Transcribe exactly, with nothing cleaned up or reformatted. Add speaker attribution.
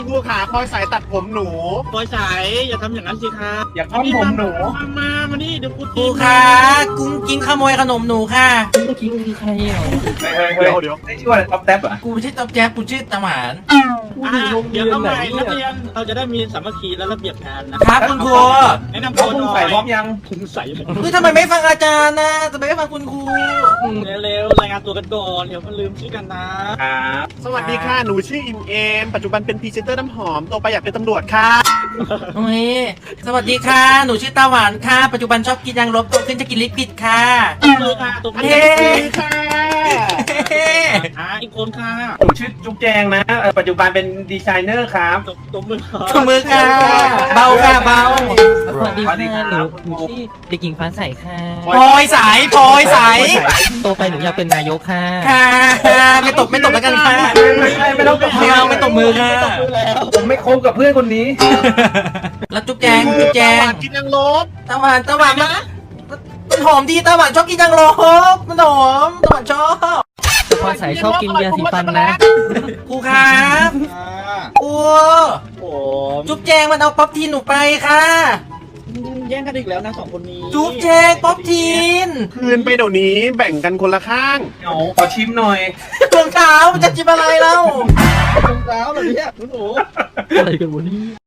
Speaker 1: ครูขาพลอยสายตัดผมหนู
Speaker 2: ปอยสายอย่าทำอย่างนั้นสิคะ
Speaker 1: อย่าค้อนผมหนู
Speaker 2: มามามานี่เดี๋ยวกู
Speaker 3: ครูคะกุ้งกิ้งขโมยขนมหนูค่ะ
Speaker 4: เมื่อกี้คือใครเหรอ
Speaker 1: เฮ้ยเฮ้ยเดี๋ยวได้ชื่อว่าท็อปแท็บอ่ะ
Speaker 3: กูไม่ใช่ต๊อบแจ๊บกูชื่อตาหวาน
Speaker 4: กู
Speaker 2: อ่ะ
Speaker 4: อยู่โรงเรี
Speaker 2: เดี๋ย
Speaker 4: ยว น
Speaker 2: เข้า
Speaker 4: ไหน
Speaker 2: ใหม่นัก
Speaker 4: เนี่ย
Speaker 2: เรียนเราจะได้มีสามัคคีและระเบียบงานนะครับ
Speaker 3: คุณครู
Speaker 2: แนะนำ
Speaker 1: เขา
Speaker 2: ตัวห
Speaker 1: คุ
Speaker 2: น่
Speaker 1: ณ
Speaker 2: อย
Speaker 1: ใส่พร้อมยัง
Speaker 2: คุณใส่
Speaker 3: เฮ้ยทำไมไม่ฟังอาจารย์นะทำไมไม่ฟังคุณครู
Speaker 2: เร็วๆรายงานตัวกันก่อนเดี๋ยวมันลืมชื่อกันนะครับ
Speaker 1: สวัสดีค่ะหนูชื่ออิมเอมปัจจุบันเป็นพรีเซนเตอร์น้ำหอมโตไปอยากเป็นตำรวจค่ะ
Speaker 3: โอ้ยสวัสดีค่ะ หนูชื่อตาหวานค่ะ ปัจจุบันชอบกินยางลบโตขึ้นจะกินลิปปิดค่ะ
Speaker 2: มือค่ะตบมือ
Speaker 3: เฮ้
Speaker 1: ค่ะ
Speaker 2: อ่ะอีกคนค่ะ
Speaker 1: หนูชื่อจุ๊บแจงนะเอ่อปัจจุบันเป็นดีไซเนอร์ครับ
Speaker 2: ตบตบมือค่ะ
Speaker 3: ขมือค่ะ เบาค่ะเบา
Speaker 4: สวัสดี
Speaker 1: สวัสดีครั
Speaker 4: ค่ะ
Speaker 1: บ
Speaker 4: หนูหนูชื่อเด็กหญิงฟ้าใสค่ะ
Speaker 3: พลอยสายพลอยสาย
Speaker 4: โตไปหนูอยากเป็นนายกค่ะ
Speaker 3: ค่ะไม่ตบไม่ตบแล้วกันค่ะ
Speaker 1: ไม่ไม่ไม่ต้องตบ
Speaker 3: ไม่เอาไม่ตบมือค่ะ
Speaker 1: ผมไม่คบกับเพื่อนคนนี้
Speaker 3: แล้วจุ๊บแจงจุ๊บแจง
Speaker 1: กินยังลบ
Speaker 3: ตาหวานตาหวานมันมันหอมดีตาหวานชอบกินยางลบมันหอมตาหวานชอบ
Speaker 4: แต่ฟ้าใสชอบกินยาสีฟันนะ
Speaker 3: ครูครับ
Speaker 2: อ่า
Speaker 3: ครู
Speaker 2: โอ้
Speaker 3: จุ๊บแจงมันเอาป๊อปทีนหนูไปค่ะ
Speaker 2: แย่งกันอีกแล้วนะสองคนนี้
Speaker 3: จุ๊บแจงป๊อปทีน
Speaker 1: คืนไปเดี๋ยวนี้แบ่งกันคนละข้างเอาขอชิมหน่อย
Speaker 3: รองเท้ามันจะจิบอะไรเล่า
Speaker 2: รองเท้าเหรอเนี่ยคุณหนู
Speaker 4: อะไรกันวะเนี่ย